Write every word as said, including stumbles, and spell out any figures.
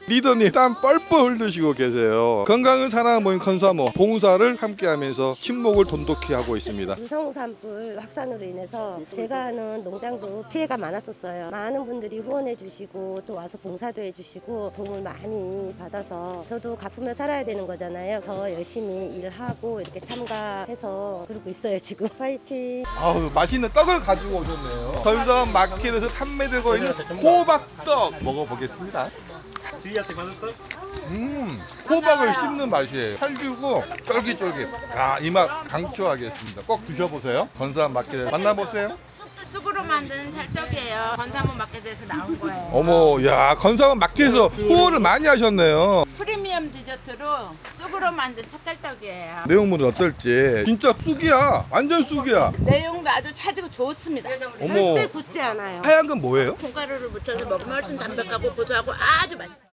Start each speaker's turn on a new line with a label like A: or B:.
A: 리더님 땀 뻘뻘 흘리시고 계세요. 건강을 사랑하는 모임 컨사모 봉사를 함께하면서 친목을 돈독히 하고 있습니다.
B: 유성산불 확산으로 인해서 제가 하는 농장도 피해가 많았었어요. 많은 분들이 후원해 주시고 또 와서 봉사도 해주시고 도움을 많이 받아서 저도 갚으며 살아야 되는 거잖아요. 더 열심히 일하고 이렇게 참가해서 그러고 있어요 지금. 화이팅!
A: 아우 맛있는 떡을 가지고 오셨네요. 건섬 마켓에서 판매되고 있는 호박떡 먹어보겠습니다. 음, 호박을 씹는 맛이에요. 살주고 쫄깃쫄깃. 아, 이 맛 강추하겠습니다. 꼭 드셔보세요. 건섬 마켓에 만나보세요.
C: 쑥으로 만든 찰떡이에요. 건사모 마켓에서 나온 거예요.
A: 어머, 야, 건섬 마켓에서 후원을 많이 하셨네요.
C: 프리미엄 디저트로 쑥으로 만든 찹쌀떡이에요.
A: 내용물은 어떨지. 진짜 쑥이야. 완전 쑥이야.
C: 내용도 아주 차지고 좋습니다.
A: 어머,
B: 절대 굳지 않아요.
A: 하얀 건 뭐예요?
C: 콩가루를 묻혀서 먹으면 훨씬 담백하고 고소하고 아주 맛있어요.